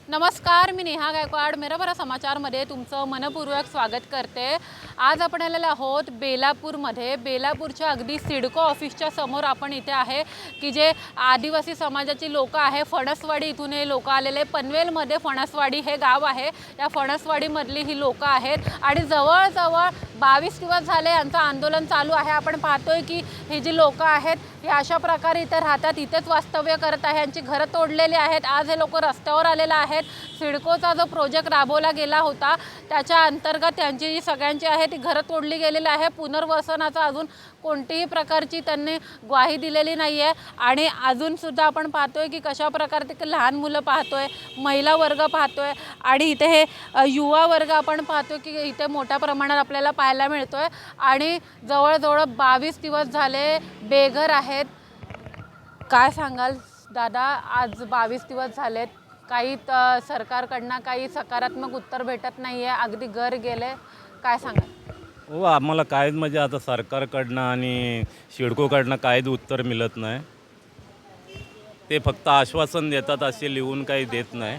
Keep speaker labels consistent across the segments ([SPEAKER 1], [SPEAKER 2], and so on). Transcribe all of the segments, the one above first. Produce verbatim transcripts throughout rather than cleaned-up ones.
[SPEAKER 1] नमस्कार, मी नेहा गायकवाड मेराबरा समाचारमध्ये तुमचं मनपूर्वक स्वागत करते। आज आपण आलेलो आहोत बेलापूरमध्ये। बेलापूरच्या अगदी सिडको ऑफिसच्या समोर आपण इथे आहे की जे आदिवासी समाजाची लोक आहे। फणसवाडी इथून हे लोक आलेले, पनवेलमध्ये फणसवाडी हे गाव आहे। या फणसवाडीमधली ही लोक आहेत आणि जवळजवळ बावीस दिवस झाले यांचं आंदोलन चालू आहे। आपण पाहतोय की ही जी लोक आहेत हे अशा प्रकारे इथे राहतात, इथेच वास्तव्य करत आहे, यांची घरं तोडलेली आहेत। आज हे लोक रस्त्यावर आलेले आहेत। सिडकोचा जो प्रोजेक्ट राबवला गेला होता त्याच्या अंतर्गत त्यांची जी सगळ्यांची आहे ती घरं तोडली गेलेली आहे। पुनर्वसनाचा अजून कोणतीही प्रकारची त्यांनी ग्वाही दिलेली नाही आहे आणि अजून सुद्धा आपण पाहतोय की कशा प्रकारे ते लहान मुलं पाहतोय, महिला वर्ग पाहतोय आणि इथे हे युवा वर्ग आपण पाहतोय की इथे मोठ्या प्रमाणात आपल्याला पाहायला मिळतोय आणि जवळजवळ बावीस दिवस झाले बेघर आहेत। काय सांगाल दादा, आज बावीस दिवस झालेत, काही सरकारकडनं काही सकारात्मक उत्तर भेटत नाही आहे, अगदी घर गेले, काय सांगाल?
[SPEAKER 2] हो, आम्हाला काहीच म्हणजे आता सरकारकडनं आणि सिडकोकडनं काहीच उत्तर मिळत नाही। ते फक्त आश्वासन देतात, असे लिहून काही देत नाही।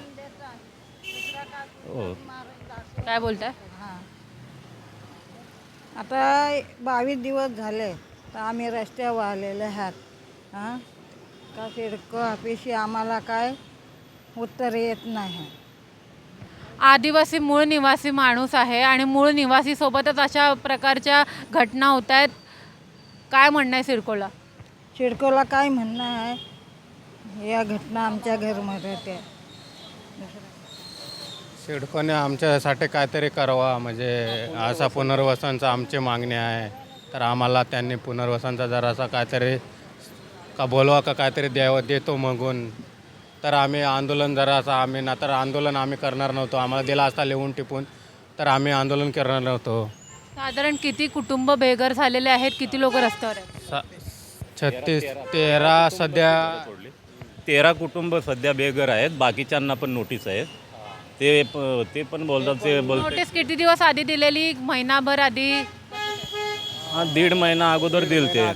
[SPEAKER 2] हो,
[SPEAKER 1] काय बोलताय?
[SPEAKER 3] आता बावीस दिवस झाले तर आम्ही रस्त्यावर आलेले आहात। हां का सिडको ऑफिसशी आम्हाला काय उत्तर येत नाही।
[SPEAKER 1] आदिवासी मूळ निवासी माणूस आहे आणि मूळ निवासी सोबतच अशा प्रकारच्या घटना होत आहेत, काय म्हणणं आहे सिडकोला?
[SPEAKER 3] सिडकोला काय म्हणणं आहे, या घटना आमच्या घरमध्ये ते
[SPEAKER 4] सिडकोने आमच्यासाठी काहीतरी करावा, म्हणजे असा पुनर्वसनचा आमची मागणी आहे। तर आम्हाला त्यांनी पुनर्वसनचा जरासा काहीतरी का बोलवा का काहीतरी द्यावं, देतो मागून तर आम्ही आंदोलन जरासा आम्ही ना तर आंदोलन आम्ही करणार नव्हतो। आम्हाला दिला असता लिहून टिपून तर आम्ही आंदोलन करणार नव्हतो।
[SPEAKER 1] साधारण किती कुटुंब बेघर झालेले आहेत, किती लोक रस्त्यावर आहेत?
[SPEAKER 4] सा छत्तीस तेरा सध्या
[SPEAKER 2] तेरा कुटुंब सध्या बेघर आहेत, बाकीच्यांना पण नोटीस आहेत। ते प ते पण बोलतात, ते बोलतात
[SPEAKER 1] नोटीस किती दिवस आधी दिलेली? महिनाभर आधी?
[SPEAKER 2] हां, दीड महिना अगोदर दिल ते।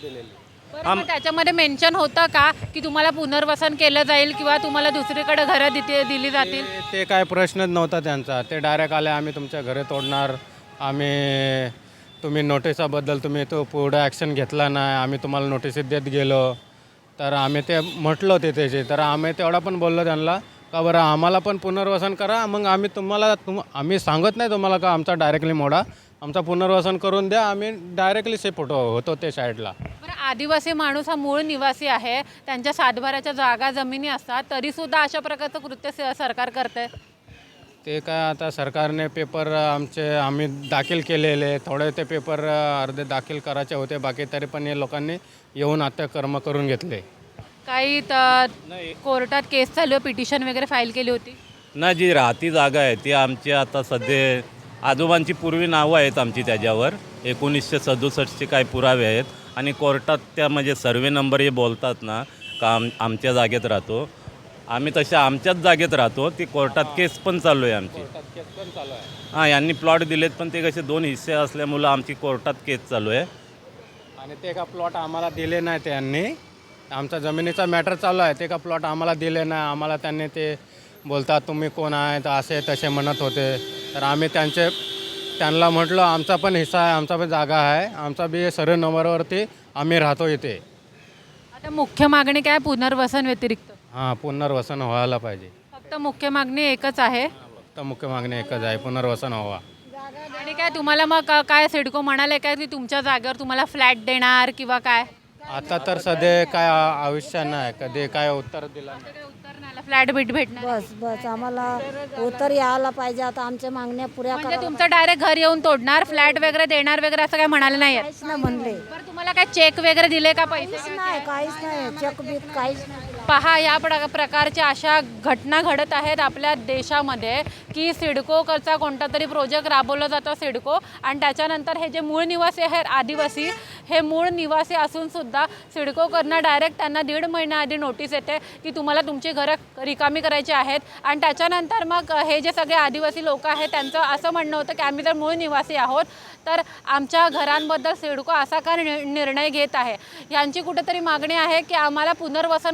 [SPEAKER 1] बरं, मग त्याच्यामध्ये मेन्शन होतं का की तुम्हाला पुनर्वसन केलं जाईल किंवा तुम्हाला दुसरीकडे घरं दिते दिली जातील?
[SPEAKER 4] ते- ते काय प्रश्नच नव्हता त्यांचा। ते डायरेक्ट आले, आम्ही तुमच्या घरे तोडणार, आम्ही तुम्ही नोटिसाबद्दल तुम्ही तो पुढे ॲक्शन घेतला नाही, आम्ही तुम्हाला नोटिस देत गेलो। तर आम्ही ते म्हटलं ते त्याचे, तर आम्ही तेवढा पण बोललो त्यांना का बरं आम्हाला पण पुनर्वसन करा, मग आम्ही तुम्हाला तुम आम्ही सांगत नाही तुम्हाला का आमचा डायरेक्टली मोडा, आमचा पुनर्वसन करून द्या, आम्ही डायरेक्टली शिफ्ट होतो ते साईडला।
[SPEAKER 1] बरं, आदिवासी माणूस हा मूळ निवासी आहे, त्यांच्या सातबाऱ्याच्या जागा जमिनी असतात, तरीसुद्धा अशा प्रकारचं कृत्य स- सरकार करते।
[SPEAKER 4] ते काय आता सरकारने पेपर आमचे आम्ही दाखल केलेले, थोडे ते पेपर अर्धे दाखल करायचे होते बाकी, तरी पण हे लोकांनी येऊन आता कर्म करून घेतले।
[SPEAKER 1] काही त- कोर्टात केस चालू आहे, पिटिशन वगैरे फाईल केली होती?
[SPEAKER 2] ना जी राहती जागा आहे ती आमची आता सध्या आजोबांची पूर्वी नावं आहेत आमची त्याच्यावर, एकोणीसशे सदुसष्टचे काही पुरावे आहेत आणि कोर्टात त्या म्हणजे सर्वे नंबर हे बोलतात ना का आम आमच्या जागेत राहतो, आम्ही तशा आमच्याच जागेत राहतो। ती कोर्टात केस पण चालू आहे आमची। हां, यांनी प्लॉट दिलेत पण ते कसे दोन हिस्से असल्यामुळं आमची कोर्टात केस चालू आहे।
[SPEAKER 4] आणि ते का प्लॉट आम्हाला दिले नाही त्यांनी, आमचा जमिनीचा मॅटर चालू आहे, ते का प्लॉट आम्हाला दिले नाही। आम्हाला त्यांनी ते बोलतात तुम्ही कोण आहेत असे तसे म्हणत होते। तर आम्ही त्यांचे त्यांना म्हटलं आमचा पण हिस्सा आहे, आमचा पण जागा आहे, आमचा बी सर्व नंबरवरती आम्ही राहतो इथे।
[SPEAKER 1] आता मुख्य मागणी काय पुनर्वसन व्यतिरिक्त?
[SPEAKER 4] हां, पुनर्वसन व्हायला पाहिजे।
[SPEAKER 1] फक्त मुख्य मागणी एकच आहे
[SPEAKER 4] फक्त मुख्य मागणी एकच आहे, पुनर्वसन व्हावा।
[SPEAKER 1] आणि काय तुम्हाला मग का- काय सिडको म्हणाले काय की तुमच्या जागेवर तुम्हाला फ्लॅट देणार किंवा काय?
[SPEAKER 4] आता तर सध्या काय आ- आयुष्य नाही, कधी काय उत्तर दिलं नाही।
[SPEAKER 1] काय उत्तर नाही आलं, फ्लॅट बीट भेटणार?
[SPEAKER 5] बस बस आम्हाला उत्तर यायला पाहिजे। आता आमच्या मागण्या पुऱ्या
[SPEAKER 1] म्हणजे
[SPEAKER 5] करायला
[SPEAKER 1] तुमचं डायरेक्ट घर येऊन तोडणार, फ्लॅट वगैरे देणार वगैरे असं काय म्हणाले नाही आहेत?
[SPEAKER 5] काहीच नाही म्हणले,
[SPEAKER 1] बरं, तुम्हाला काय चेक वगैरे दिले का पैसे?
[SPEAKER 5] काहीच नाही, काहीच नाही, चेक बीक काहीच नाही।
[SPEAKER 1] पहा, या प्र प्रकारच्या अशा घटना घडत आहेत आपल्या देशामध्ये की सिडकोचा कोणता तरी प्रोजेक्ट राबवला जातो सिडको, आणि त्याच्यानंतर हे जे मूळ निवासी आहेत आदिवासी, हे मूळ निवासी असूनसुद्धा सिडकोकडनं डायरेक्ट त्यांना दीड महिन्याआधी नोटीस येते की तुम्हाला तुमची घरं रिकामी करायची आहेत। आणि त्याच्यानंतर मग हे जे सगळे आदिवासी लोक आहेत त्यांचं असं म्हणणं होतं की आम्ही जर मूळ निवासी आहोत तर आमच्या घरांबद्दल सिडको असा का निर्णय घेत आहे। यांची कुठेतरी मागणी आहे की आम्हाला पुनर्वसन करून हवे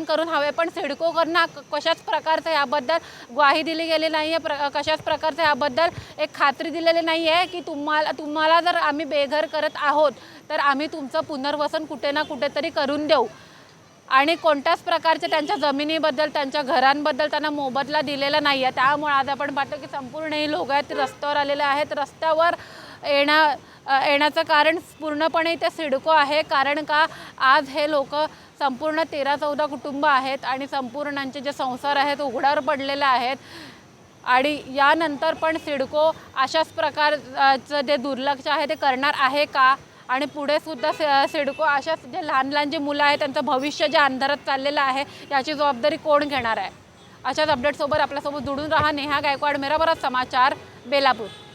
[SPEAKER 1] हवे, पण सिडकोकडनं क- कशाच प्रकारचं याबद्दल ग्वाही दिली गेली नाही आहे, प्र कशाच प्रकारचं याबद्दल एक खात्री दिलेली नाही आहे की तुम्हाला तुम्हाला जर आम्ही बेघर करत आहोत तर आम्ही तुमचं पुनर्वसन कुठे ना कुठेतरी करून देऊ. आणि कोणत्याच प्रकारच्या त्यांच्या जमिनीबद्दल त्यांच्या घरांबद्दल त्यांना मोबदला दिलेला नाही आहे. त्यामुळे आज आपण पाहतो की संपूर्ण ही लोक आहेत ते रस्त्यावर आलेले आहेत. रस्त्यावर येण्या अ, येण्याचं कारण पूर्णपणे इथे सिडको आहे. कारण का आज हे लोक संपूर्ण तेरा चौदा कुटुंब आहेत आणि संपूर्णांचे जे संसार आहेत उघड्यावर पडलेले आहेत. आणि यानंतर पण सिडको अशाच प्रकारचं जे दुर्लक्ष आहे ते करणार आहे का, आणि पुढे सुद्धा सि सिडको अशाच जे लहान लहान जे मुलं आहेत त्यांचं भविष्य जे अंधारात चाललेलं आहे याची जबाबदारी कोण घेणार आहे. अशाच अपडेटसोबत आपल्यासोबत जोडून राहा. नेहा गायकवाड, मेरा भारत समाचार, बेलापूर.